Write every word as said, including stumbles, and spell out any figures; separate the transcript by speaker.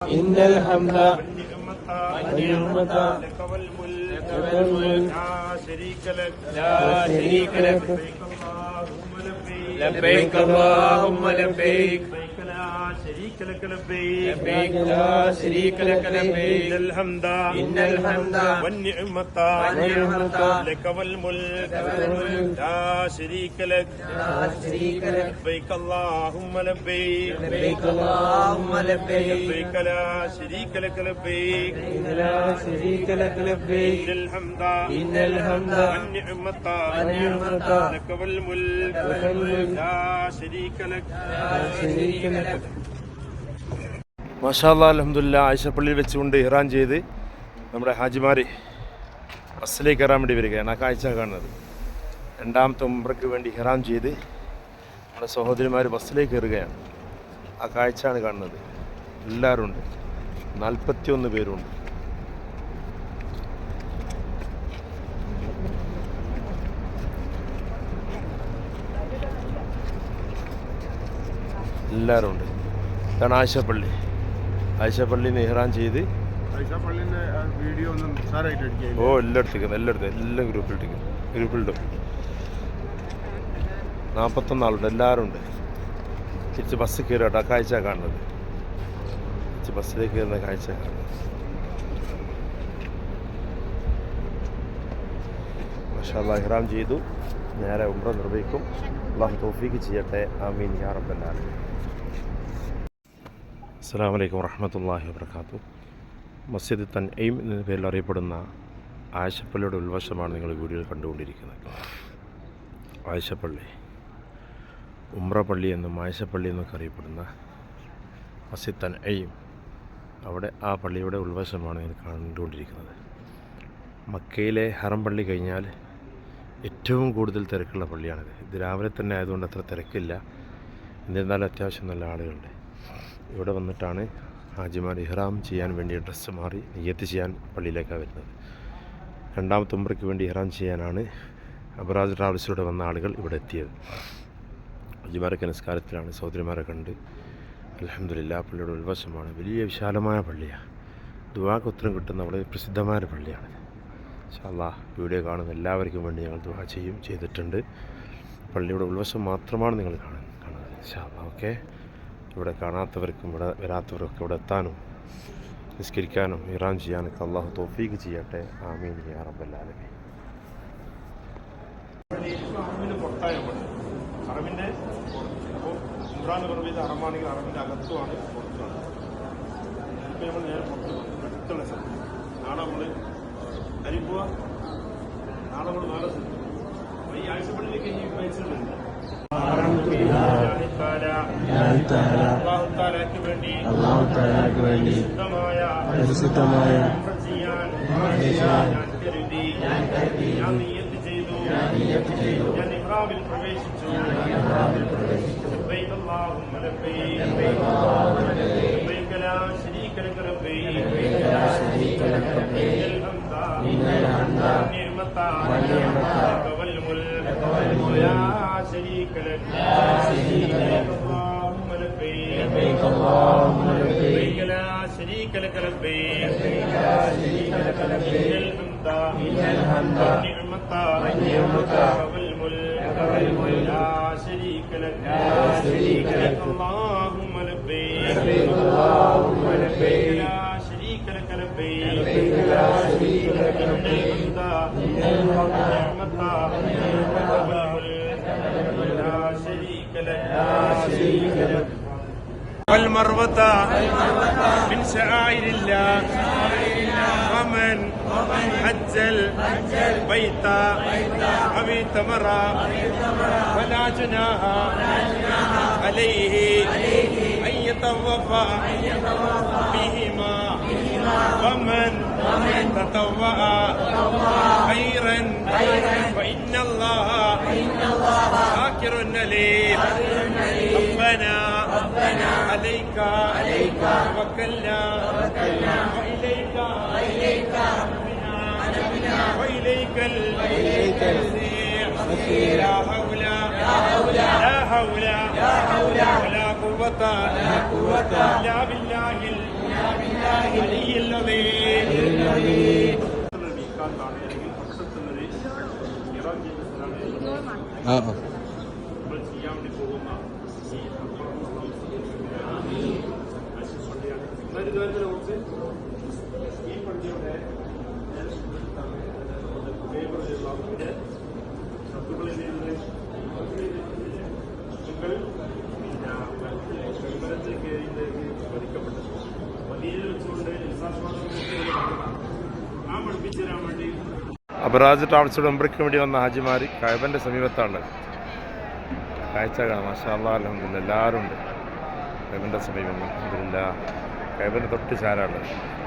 Speaker 1: إن الحمد والنعمة لك والملك لا شريك لك لا شريك لك لبيك اللهم لبيك لا شريك لك لبيك لبيك لا شريك لك لبيك إن الحمد إن الحمد والنعمة والنعمة لك والملك لا شريك لك لا شريك لك لبيك اللهم لبيك لبيك اللهم لبيك لبيك لا شريك لك لبيك لا شريك لك لبيك إن الحمد إن الحمد والنعمة والنعمة لك والملك لا شريك لك لا شريك لك.
Speaker 2: മാഷാ അല്ലാഹ് അൽഹംദുലില്ലാഹ് ആയിഷപ്പള്ളിയിൽ വെച്ചുകൊണ്ട് ഇഹ്റാം ചെയ്ത് നമ്മുടെ ഹാജിമാർ ബസ്സിലേക്ക് കയറാൻ വേണ്ടി വരികയാണ്. ആ കാഴ്ച കാണുന്നത് രണ്ടാമത്തെ ഉംറയ്ക്ക് വേണ്ടി ഇഹ്റാം ചെയ്ത് നമ്മുടെ സഹോദരിമാർ ബസ്സിലേക്ക് കയറുകയാണ്. ആ കാഴ്ചയാണ് കാണുന്നത്. എല്ലാവരും ഉണ്ട്, നാൽപ്പത്തി ഒന്ന് പേരുണ്ട്. എല്ലാവരും ഉണ്ട്. ഇതാണ് ആയിഷപ്പള്ളി. ആയിഷപ്പള്ളിയിൽ നിന്ന് ഇഹ്റാം ചെയ്ത് ഓ എല്ലായിടത്തേക്കും എല്ലായിടത്തും എല്ലാം ഗ്രൂപ്പിലിട്ടേക്കും ഗ്രൂപ്പിലിടും. നാൽപ്പത്തൊന്നാളുണ്ട്, എല്ലാവരും ഉണ്ട്. തിരിച്ച് ബസ് കയറിയിട്ട് ആ കാഴ്ച കാണുന്നത്. തിരിച്ച് ബസ്സിലേക്ക് കയറുന്ന കാഴ്ച കാണുന്നത്. മാഷാ അല്ലാഹ് ഇഹ്റാം ചെയ്തു, നേരെ ഉംറ നിർവഹിക്കും. അല്ലാഹു തൗഫീഖ് ചെയ്യട്ടെ. ആമീൻ യാ റബ്ബൽ ആലമീൻ. അസ്സലാമു അലൈക്കും വറഹ്മത്തുള്ളാഹി വബറകാതുഹു. മസ്ജിദ് തൻഈം എന്ന പേരിൽ അറിയപ്പെടുന്ന ആയിഷപ്പള്ളിയുടെ ഉൾവശമാണ് നിങ്ങൾ വീഡിയോയിൽ കണ്ടുകൊണ്ടിരിക്കുന്നത്. ആയിഷപ്പള്ളി, ഉംറ പള്ളി എന്നും ആയിഷപ്പള്ളി എന്നൊക്കെ അറിയപ്പെടുന്ന മസ്ജിദ് തൻഈം, അവിടെ ആ പള്ളിയുടെ ഉൾവശമാണ് നിങ്ങൾ കണ്ടുകൊണ്ടിരിക്കുന്നത്. മക്കയിലെ ഹറം പള്ളി കഴിഞ്ഞാൽ ഏറ്റവും കൂടുതൽ തിരക്കുള്ള പള്ളിയാണിത്. ഇത് രാവിലെ തന്നെ ആയതുകൊണ്ട് അത്ര തിരക്കില്ല. എന്നിരുന്നാലും അത്യാവശ്യം നല്ല ആളുകളുണ്ട്. ഇവിടെ വന്നിട്ടാണ് ഹാജിമാർ ഇഹ്റാം ചെയ്യാൻ വേണ്ടി ഡ്രസ്സ് മാറി നിയ്യത്ത് ചെയ്യാൻ പള്ളിയിലേക്കാണ് വരുന്നത്. രണ്ടാമത്തെ ഉംറയ്ക്ക് വേണ്ടി ഇഹ്റാം ചെയ്യാനാണ് അബറാജ് ട്രാവൽസിലൂടെ വന്ന ആളുകൾ ഇവിടെ എത്തിയത്. ഹാജിമാരൊക്കെ നിസ്കാരത്തിലാണ്. സഹോദരിമാരെ കണ്ട് അൽഹംദുലില്ലാഹ്. പള്ളിയുടെ ഉൾവശമാണ്. വലിയ വിശാലമായ പള്ളിയാണ്. ദുആക്ക് ഉത്തരം കിട്ടുന്ന വളരെ പ്രസിദ്ധമായ പള്ളിയാണ്. ഇൻഷാ അല്ലാഹ് വീഡിയോ കാണുന്ന എല്ലാവർക്കും വേണ്ടി ഞങ്ങൾ ദുആ ചെയ്യും ചെയ്തിട്ടുണ്ട്. പള്ളിയുടെ ഉൾവശം മാത്രമാണ് നിങ്ങൾ കാണുന്നത് കാണുന്നത് ഇൻഷാ അല്ലാഹ്. ഓക്കെ, ഇവിടെ കാണാത്തവർക്കും ഇവിടെ വരാത്തവർക്കും ഇവിടെ എത്താനും നിസ്കരിക്കാനും ഇഹ്റാം ചെയ്യാനൊക്കെ അല്ലാഹു തൗഫീഖ് ചെയ്യട്ടെ. ആമീൻ യാ റബ്ബൽ ആലമീൻ.
Speaker 3: ഹറമിൻ്റെ അപ്പോൾ ഉംറ നിർവഹിച്ച ഹറമാണെങ്കിൽ ഹറമിൻ്റെ അകത്തുമാണ് പുറത്തുമാണ്. ഇപ്പോൾ നമ്മൾ നേരെ പുറത്ത് അടുത്തുള്ള സ്ഥലം. നാളെ നമ്മൾ അരിപ്പുക, നാളെ നമ്മൾ നാളെ സ്ഥലം. അപ്പോൾ ഈ ആഴ്ചപ്പള്ളിയിലേക്ക് ഈ പൈസകളുണ്ട്.
Speaker 1: അല്ലാഹു വേണ്ടി പരിശുദ്ധമായ
Speaker 3: ഞാൻ നിയ്യത്ത് ചെയ്തു, ഞാൻ ഇഹ്റാമിൽ പ്രവേശിച്ചു. ലബ്ബൈക അല്ലാഹുമ്മ ലബ്ബൈക ലബ്ബൈക ലാ ശരീക ലക ലബ്ബൈക ഇന്നൽ ഹംദ വന്നിഅമത ലക വൽ മുൽക്ക് ലാ ശരീക ലക اللهم لبيك لبيك اللهم لبيك لا شريك لك لبيك لا شريك لك لبيك إن الحمد والنعمة والنعمة والملك والملك لا شريك لك لا شريك لك اللهم لبيك لبيك اللهم لبيك لا شريك لك لبيك لبيك لا شريك لك لبيك إن الحمد والنعمة والنعمة والملك لا شريك لك لا شريك لك. والمروة من شعائر الله ومن حج البيت أو اعتمر فلا جناح عليه أن يطوف بهما ومن تطوع خيرا فإن الله شاكر عليم. ربنا عليك توكلنا وإليك وإليك المصير. لا حول لا حول ولا قوة إلا بالله
Speaker 4: ആ
Speaker 3: ചെയ്യാൻ വേണ്ടി പോകുന്ന ഈ പള്ളിയുടെ ശത്രുക്കളിൽ നിന്ന് നിങ്ങൾ വിമരത്തിൽ കയറിയിലേക്ക് വധിക്കപ്പെട്ടത് വലിയ വെച്ചുകൊണ്ട് ആ പഠിപ്പിച്ചു തരാൻ വേണ്ടി
Speaker 2: അബറാജ് ട്രാവൽസിയുടെ ഉംറയ്ക്ക് വേണ്ടി വന്ന ഹാജിമാർ കഅബൻ്റെ സമീപത്താണ്. കാഴ്ച കാണാം. മാഷാ അല്ലാഹ് അൽഹംദുലില്ലാഹ് എല്ലാവരും ഉണ്ട് കഅബൻ്റെ സമീപം. അൽഹംദുലില്ലാഹ് കഅബൻ്റെ തൊട്ട് ചാരാണ്.